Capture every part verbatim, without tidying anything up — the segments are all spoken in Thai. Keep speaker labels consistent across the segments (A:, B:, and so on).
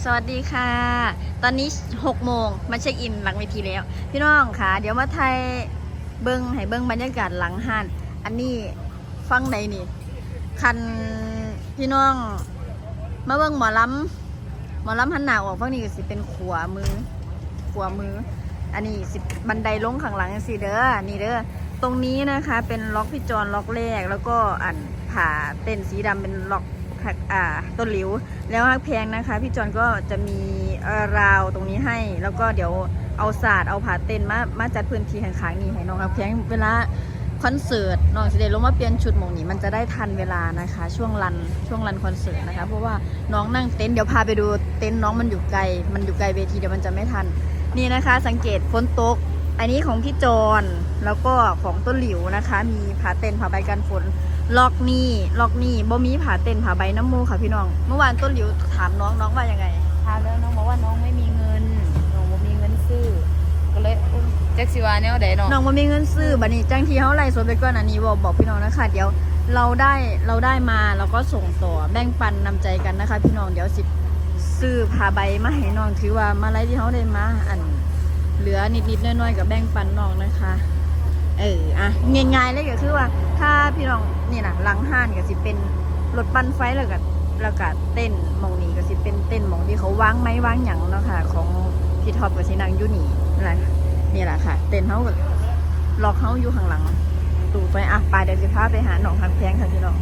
A: สวัสดีค่ะตอนนี้หกโมงมาเช็คอินหลังเวทีแล้วพี่น้องค่ะเดี๋ยวมาไทยเบิ้งให้เบิ้งบรรยากาศหลังห้านอันนี้ฟังไหนนี่คันพี่น้องมาเบิ้งหมอลำหมอลำหันหน้าออกฟังนี่ก็สิเป็นขวามือขวามืออันนี้สิบันไดลงข้างหลังสิเด้อนี่เด้อตรงนี้นะคะเป็นล็อกพี่จอนล็อกแรกแล้วก็อันผ่าเต้นสีดำเป็นล็อกอ่าต้นหลิวแล้วฮักแพงนะคะพี่จอนก็จะมีราวตรงนี้ให้แล้วก็เดี๋ยวเอาศาสตร์เอาผ่าเต้นมามาจัดพื้นที่ข้างๆนี่ให้น้องฮักแพงเวลาคอนเสิร์ตน้องสิเดลงมาเปลี่ยนชุดหมองนี้มันจะได้ทันเวลานะคะช่วงรันช่วงรันคอนเสิร์ตนะคะเพราะว่าน้องนั่งเต็นท์เดี๋ยวพาไปดูเต็นท์น้องมันอยู่ไกลมันอยู่ไกลเวทีเดี๋ยวมันจะไม่ทันนี่นะคะสังเกตฝนตกอันนี้ของพี่จอนแล้วก็ของต้นหลิวนะคะมีผ่าเต้นผ่าใบกันฝนล็อกนี่ล็อกนี่บ่มีผ่าเต้นผ่าใบน้ำมูค่ะพี่น้องเมื่อวานต้นหลิวถามน้องน้องว่ายังไง
B: ถามแล้วน้องบอกว่าน้องไม่มีเงินน้องบ่มีเงินซื้อก็เลยแจ็คสิวาเนี่ยเดี๋ยวน้อง
A: น้องบ่มีเงินซื้อบัดนี้จังที่เฮาไล่สดไปก่อนอันนี้บอกบอกพี่น้องนะคะเดี๋ยวเราได้เราได้มาเราก็ส่งต่อแบ่งปันนำใจกันนะคะพี่น้องเดี๋ยวสิซื้อผ่าใบมาให้น้องถือว่ามาไล่ที่เฮาได้มาอันเหลือนิดๆน้อยๆกับแบ่งปันน้องนะคะเอออ่ะง่ายๆเลยก็คือว่าถ้าพี่น้องนี่นะหลังห้านก็สิเป็นรถปั่นไฟแล้วก็แล้วก็เต้นมองนี้ก็สิเป็นเต้นมองที่เขาวางไม้วางหยังเนาะค่ะของพี่ท็อปกับสินางยุนี่อะไรนี่แหละค่ะเต้นเขาก็ล็อกเขาอยู่ข้างหลังตูไปอ่ะไปเดี๋ยวจะพาไปหาหนองฮักแพงค่ะพี่น้อง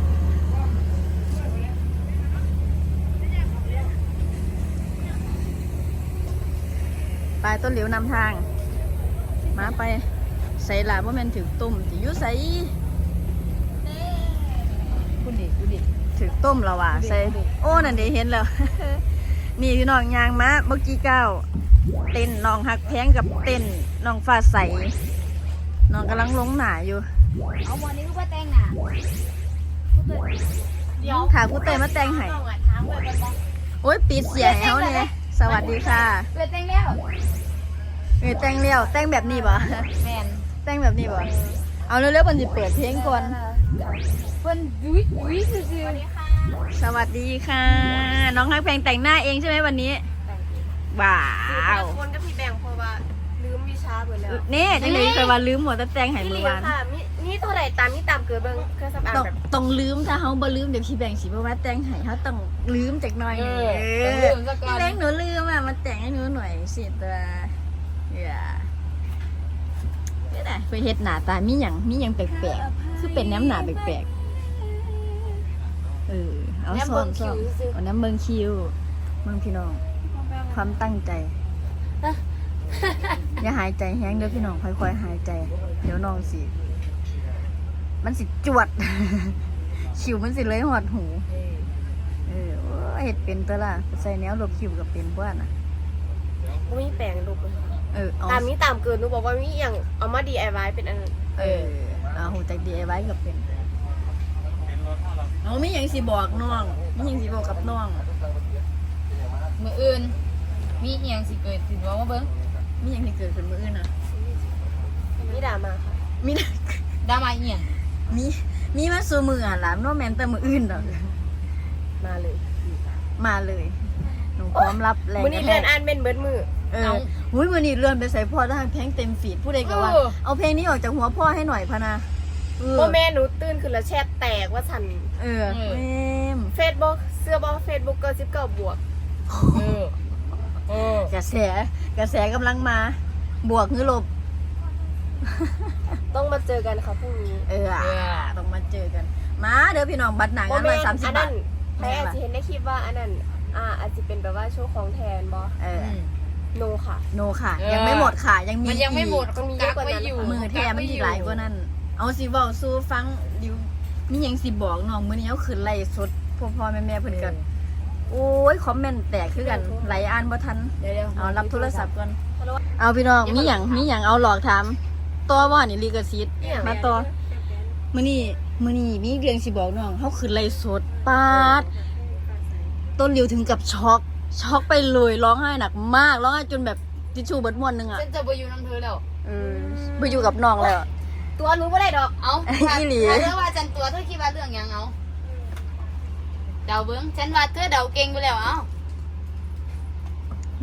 A: ไปต้นเหลียวนำทางมาไปใส่หลาว่ามันถือตุ่มจะยุ่ใส่
B: คุณดิคุณดิ
A: ถือต้มแล้วว่ะใส่โอ้นั่นเดี๋ยวเห็นแล้ว นี่พี่น้องยางมาเมื่อกี้เก้าเต้นน้องหักแพงกับเต้นน้องฟ้าใสน้องกำลังลงหนาอยู่
B: เอาวันนี้ก็มาแต่งหนา
A: เดี๋ยวขาคู่เตยมาแต่งให้โอ้ยปิดเสียงแล้วเนี่ยสวัสดีค่ะ
B: เปิดแต่งแล้ว
A: เออแต่งเลี้ยวแต่งแบบนี้ป่ะ
B: แมน
A: แต่งแบบนี้ป่ะเอาเร็วๆมันจะเปิดเพลงก่อน
B: เพิ่นยุ้ยยุ้ยซื่อๆ
A: สวัสดีค่ะน้องฮักแพงแต่งหน้าเองใช่ไหมวันนี้ว้าว
C: คนก็พี่แบ่งเพราะว่าลืมวิชาหมดแล้ว
A: นี่จังเลยเคยว่าลืมหมดแต่แต่งให้มือวาน
C: นี่ตัวไหนตามนี่ตามเกิดเบิ้งเครื่องสำอางแบบ
A: ต้องลืมถ้าเขาบ่ลืมเดี๋ยวพี่แบ่งสิเพราะว่าแต่งให้เขาต้องลืมจากหน่อยพี่แบ่งหนูลืมอ่ะมาแต่งให้หนูหน่อยสิตัวอย่านี่แหละไปเฮ็ดหน้าตามีหยังมีหยังแปลกๆคือเป็นน้ำหนาแปลกๆเออเอาซ้อนซ้อนเอาน้ำเบิ่งคิวเบิ่งพี่น้องความตั้งใจอย่าหายใจแห้งเด้อพี่น้องค่อยๆหายใจเดี๋ยวน้องสิมันสิจวดคิวมันสิเลยหอดหูเออเฮ็ดเป็นตัวล่ะใส่แนวลบคิวกับเป็นบ้านน่ะ
C: ไม่มีแปลงลูก
A: เออ
C: ตามนี้ตามเกินหนูบอกว่ามีอย่างเอามา ดี ไอ วาย เป็นอัน
A: เออเอาหูจาก ดี ไอ วาย กับเป็นเอามีหยังสิบอกน้องมีหยังสิบอกกับน้อง
B: มืออื่นมีเอียงสิเกิดสิว่ามาเบิ้ง
A: มีหยังสิเกิดขึ้นมื้ออื่นน่ะ
C: มีดราม่าค่ะ
A: มี
B: ดราม่าเอียง
A: มีมีมาสู่มืออ่ะล่ะโนแม่นแต่มื้ออื่นดอก
C: มาเลย
A: มาเลยหนูพร้อมรับแรง
C: มื้อนี้เลื่อนอ่านเป็นเบิดมือ
A: เออหุ้ยมื้อนี้เลื่อนไปใส่พ่อได้เพลงเต็มฟีดผู้ใดก็ว่าเอาเพลงนี้ออกจากหัวพ่อให้หน่อยพะนะ
C: พ่อแม่หนูตื่นขึ้นแล้วแชทแตกว่าฉัน
A: เออแม่ม
C: Facebook เสื้อบ่ Facebook ก็สิบเก้าบวก
B: เออเอ
A: อกระแสกระแสกำลังมาบวกหรือลบ
C: ต้องมาเจอกันค่ะพรุ่งนี้
A: เออต้องมาเจอกันมาเดี๋ยวพี่น้องบัตรหนังอันละสามสิบบาท
C: ใครอาจจะเห็นในคลิปว่าอันนั้นอ่าอาจจะเป็นแบบว่าโชว์ของแทนบอ
A: เออ
C: โนค่ะ
A: โนค่ะยังไม่หมดค่ะยังมี
B: มันยังไม่หมด
C: ต้องมีเยอะกว่านั้น
A: มือแทนมันอีกหลายกว่านั้นเอาสิบอกสู้ฟังดิวมียังสิบอกน้องมื้อนี้เอาขึ้นไล่สดพ่อพ่อแม่แม่เพิ่นกันโอ้ยคอมเมนต์แตกคือกันไหลอ่านบ่ทันเอารับโทรศัพท์ก่อนเอาพี่น้องมีหยังมีหยังเอาหลอกถามต่อว่านี่ลิขสิทธิ์มาต่อมื้อนี้มื้อนี้มีเรื่องสิบอกน้องเฮาขึ้นไล่สดปาดต้นริวถึงกับช็อกช็อกไปเลยร้องไห้หนักมากร้องไห้จนแบบทิชชู่เบิดม้วนนึงอ่ะ
B: ฉันจะไปอยู่น้ำเธอแล้ว
A: เออไปอยู่กับน้องแล้ว
C: ตัวรู้ไม่ได้ดอก
B: เอา
A: อีหลี
B: เธอว่าฉันตัวเธอคิดว่าเรื่องยังเอาเดาเบิ้งฉันว่าเธอเดาเก่งไปแล้วเอา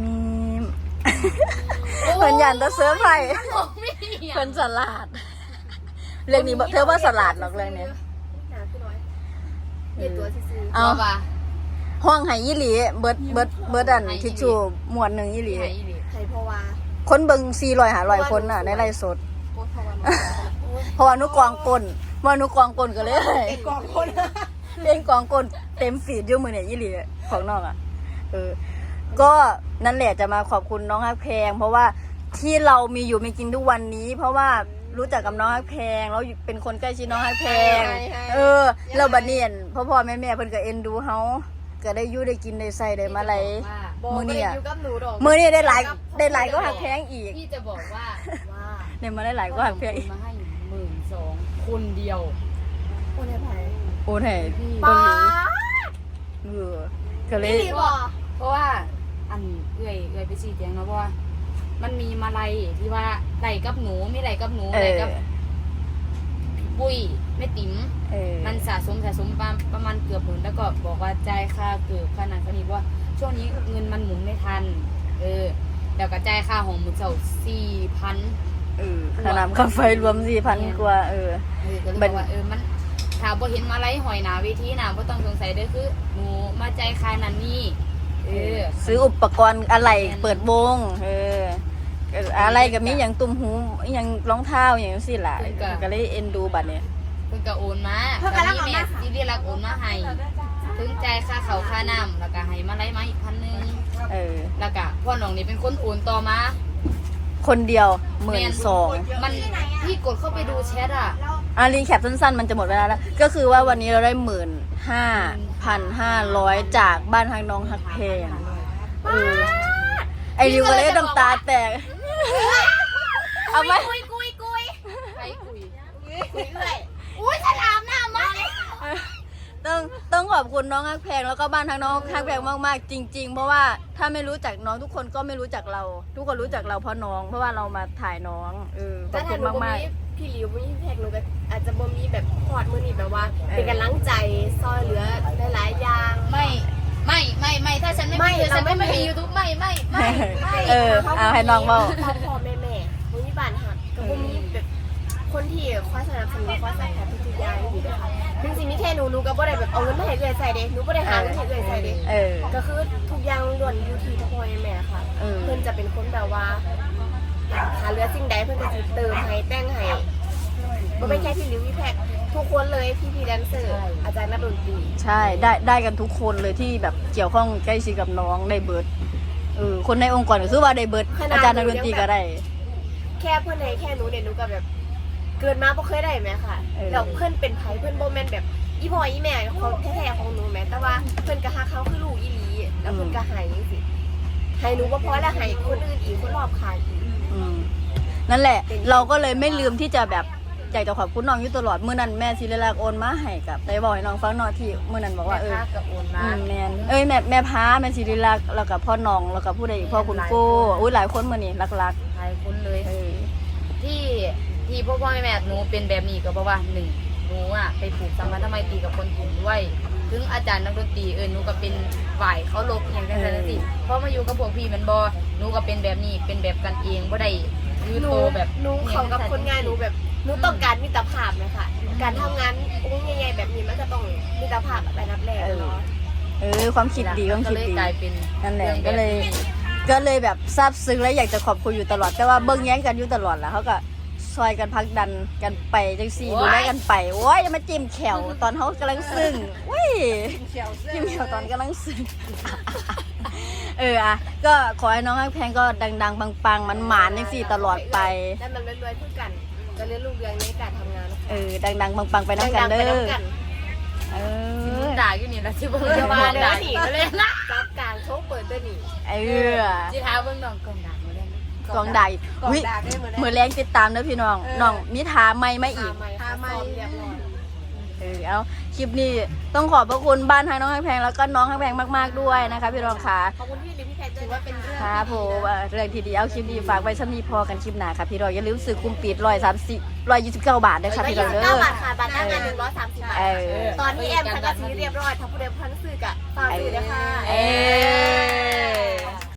A: มีเพิ่นยันตะเสื้อไผ่
B: ไม่มี
A: เพิ่นสลัดเรื่องนี้บ่เธอว่าสลัดหรอกเรื่องนี้
C: หนาขึ้นน้อยเปลี่ยนตัวซื่อ
A: เอา
B: ป่ะ
A: ห้องไห้ยี่หลีเบิดเบิดเบิดอันทิชชู่หมวดหนึ่งยี่หลี
B: ไหนอีหลี
C: ๆไทยเพราะว่า
A: คนเบิ่งสี่ร้อยหาร้อยคนน่ะในไลฟ์สด
C: โคตรเพราะว่า
A: เพราะว่านุกองกลว่านุกองกลก็เลย
C: เป็นกองคน
A: เล่นกองกลเต็มฟีดอยู่มือเนี่ยยี่หลีของน้องอ่ะเออก็นั่นแหละจะมาขอบคุณน้องฮักแพงเพราะว่าที่เรามีอยู่มีกินทุกวันนี้ เพราะว่ารู้จักกับน้องฮักแพงแล้วเป็นคนใกล้ชิดน้องฮักแพงเออเราบัดเนียนพ่อพ่อแม่แม่เพิ่นก็เอ็นดูเฮาก็ได้อยู่ได้กินได้ใส่ได้มาไหล
C: บอก
A: มื้อนี้
C: ไม่ได้
A: อะ
C: อยู่กับหนูดอก
A: มื้อนี้ได้หลายได้หลายก็ฮักแพงอีก
B: พี่จะบอกว่าว่า
A: ได้มาได้หลายก็ฮักแพงอีก
B: มาให้หมื่นสองคนเดียว
C: โอ้ยไผ่
A: โอ้ให้
C: ป้า
A: เออก็เลย
C: พี่บอก
B: เพราะว่าอันเอื่อยเอื่อยไปชี้แจงเนาะเพราะว่า มันมีมาลัยที่ว่าไหลกับหนูไม่ไหลกับหนู
A: เอ
B: ไหล
A: อ
B: กับปุ้ยไม่ติ๋ม
A: เออ
B: มันสะสมสะสมประประมาณเกือบหมื่นแล้วก็บอกว่าจ่ายค่าเกือบค่านั้นค่านี้เพราะว่าช่วงนี้เงินมันหมุนไม่ทัน เออแล้วก็จ่ายค่าของมือเสาสี่พัน
A: เออค่าน้ำค่าไฟรวมสี่พันกว่าเออ
B: เออก็เลยบอกว่าเออมันถ้าบ่เห็นมาไล่หอยหนาเวทีหนาบ่ต้องสงสัยเด้อคือหนูมาจ่ายค่านั้นนี่เออ
A: ซื้ออุปกรณ์อะไรเปิดวงเออเอออะไรก็มีอย่างตุ่มหูอย่างรองเท้าอย่างสิล่ะก็เลยเอ็นดูบัดเนี่ย
B: เพิ่นก็โอนมาตอนนี้แม่ที่เรียกรักโอนมาให้ถึงจ่ายค่าเขาวค่าน้ำแล้วก็ให้มาไล่มาอีกพันหนึง
A: เออ
B: แล้วก็พ่อน้องนี่เป็นคนโอนต่อมา
A: คนเดียวหมื่นสอง
B: มันพี่กดเข้าไปดูแชทอ่ะ
A: อ่ะรีแคปสั้นๆมันจะหมดเวลาแล้ว ก็คือว่าวันนี้เราได้หมื่นห้าพันห้าร้อยจากบ้านทางน้องฮักเพงเออไอริวก็เลยน้ำตาแตกเอาไหม
C: กุยกุยกุย
B: ใครคุย
C: กุยเลยอุ้ยฉลามหน้ามัน
A: ต้องต้องขอบคุณน้องฮักแพงแล้วก็บ้านทางน้องฮักแพงมากๆจริง ๆ เพราะว่าถ้าไม่รู้จักน้องทุกคนก็ไม่รู้จักเรา ทุกคนรู้จักเราเพราะน้อง เพราะว่าเรามาถ่ายน้องเออขอบคุณมากๆ
C: พี่หลิวพี่แพกหนูก็อาจจะบ่มีแบบพอดมือนี่แบบว่า เป็นกำลังใจซอยเหลือหลายๆอย่าง
B: ไม่ไม่ไม่ไม่ถ้าฉันไม่
C: ไม่
B: มีเธอฉัน
C: เราไม่
B: ไม่
C: มี
B: มียูทูบไม่ไม่ไม่
A: เออเอาให้น้องเบา
C: พ่อพ่อแม่แม่บ่มีบ้านหักก็บ่มีแบบคนที่คอยสนับสนุนคอยซัพพอร์ตทุกๆอย่างอยู่ด้วยค่ะจริงๆมีแค่หนูหนูก็บ่ได้แบบเอาเงินมาให้เอื้อยใส่เด้หนูบ่ได้หาเงินให้เอื้อยใส่เด้
A: เออ
C: ก็คือทุกอย่างล้วนอยู่ที่พ่อพ่อแม่ค่ะ
A: เออ
C: เพิ่นจะเป็นคนแบบว่าหาเหลือสิ่งใดเพิ่นก็จะเติมให้แต่งให้บ่เป็นแค่พี่หลิวพี่แพกทุกคนเลยพี่พี่แดนเซอร์อาจารย์นักดนตรี
A: ใช่ได้ได้กันทุกคนเลยที่แบบเกี่ยวข้องใกล้ชิดกับน้องได้เบิร์ดเออคนในองค์กรก็คือว่าได้เบิร์ดอาจารย์นักดนตรีก็ได้
C: แค่เพื่อนให้แค่หนูเนี่ยหนูก็แบบเกินมาบ่เคยได้ไหมค่ะ
A: เออ
C: แล้วเพื่อนเป็นไผเพื่อนโบแมนแบบอีพ่ออีแม่ของแท้ๆของหนูแม้แต่ว่าเพื่อนก็ฮักเขาคือลูกอีหลีแล้วเพื่อนก็ใหายจังสิให้หนูบ่พอแล้วให้คนอื่นอีกคนรอบข้างอีก
A: อืมนั่นแหละ เราก็เลยไม่ลืมที่จะแบบอยากจะขอบคุณน้องอยู่ตลอดเมื่อนั้นแม่ศิริลักษณ์โอนมาให้กับได้บอกให้น้องฟังหน่อยที่เมื่อนั้นบอกว่าเออ
B: แม่ค้กับโอนมา
A: อืมแมนเอ้ยแม่แม่พาแม่ศิริลักษณ์แล้วกับพ่อน้องแล้วกับผู้ใดอีกพ่อคุณโก้อุ้ยหลายคนมื่อนี้รัก
B: หลายคนเลย
A: ๆเออ
B: ที่ที่พ่อพ่อแม่แม่หนูเป็นแบบนี้ก็เพราะว่าหนึ่งหนูอ่ะไปผูกสัมพันธไมตรีกับคนกลุ่มด้วยถึงอาจารย์นักดนตรีเออหนูก็เป็นฝ่ายเขาลบอย่างนั้นนั่นสิเพราะมาอยู่กับพวกพี่มันบอหนูก็เป็นแบบนี้เป็นแบบกันเองบ่ได้ยืด
C: หนู
B: โตแบบ
C: หนูเขากับคนงานหนูแบบหนูต้องการมิตรภาพนะคะการทำงานอุ้งใหญ่ๆแบบนี้มันก็ต้องมิตรภาพแบบนับแรกเนาะ
A: เออความคิดดีความ
B: ก็
A: คิด
B: เลย
A: ดี
B: กลายเป็น
A: นั่นแหละ
B: รื่อง
A: ก็เลย
B: แบบนี้
A: ก็เลยแบบซาบซึ้งและอยากจะขอบคุณอยู่ตลอดแต่ว่าเบิ้งแย้งกันอยู่ตลอดแหละเขาก็ซอยกันพักดันกันไปจังสี่ดูแลกันไปโอ้ยอย่ามาจิ้มแขวตอนเขากำลังซึ้งเว้ยจิ้มแขวตอนกำลังซึ้ง เอออ่ะก็ขอให้น้องฮักแพงก็ดังๆปังๆมันหมานจังสี่ตลอดไป
C: แล้วมันรวยๆเพื่อกันจะเรียนรู้เรื่องในการทำงานนะคะ
A: เออดังๆปังๆไปน้ำกันเด้
C: ดังๆไป
A: อ
C: น้ำกัน
A: เออ
B: ด่าอยู่นี่ละที่เบิ่ง
C: เดี๋ยวมาเดี๋ยว
B: ด่า
C: หนี
B: อีก
C: ก็
B: เล
C: เลย
B: ยนะ
C: รับการโชว์เปิดตัวหนี
A: เออ
B: จีท้าเบิ่งน้องกองด่ามาได้ไหม
A: กองใด
C: กอง
A: วิ
C: ด่าได้เหมือน
A: มือแรงติดตามเด้อพี่น้องน้องมีทาไม่ไม่อีก
C: ทาไมเรียบร้อย
A: เออเอาคลิปนี้ต้องขอบพระคุณบ้านทางน้องฮักแพงแล้วก็น้องฮักแพงมากๆด้วยนะคะพี่รองค่ะ
C: ขอบคุณพี่ลิพี่แพทย์ถือว่าเป็นเรื่อง
A: ครับผมเอ่อเรื่องที่ดีเอาคลิปดีฝากไว้ชั้นนี้พอกันคลิปหน้าค่ะพี่รองอย่าลืมซื้อคุมปิดร้อยสามสิบร้อยยี่สิบเก้าบาทด้วยค่ะพี่รองเด้อ
C: เก้าบาทค่ะบัตรหน้างานหนึ่งร้อยสามสิบบาท
A: เออ
C: ตอนนี้แอมสังกัดสีเรียบร้อยทั้งผู้เดียวพันสื่อกับฝากสื่อนะคะ
A: เออ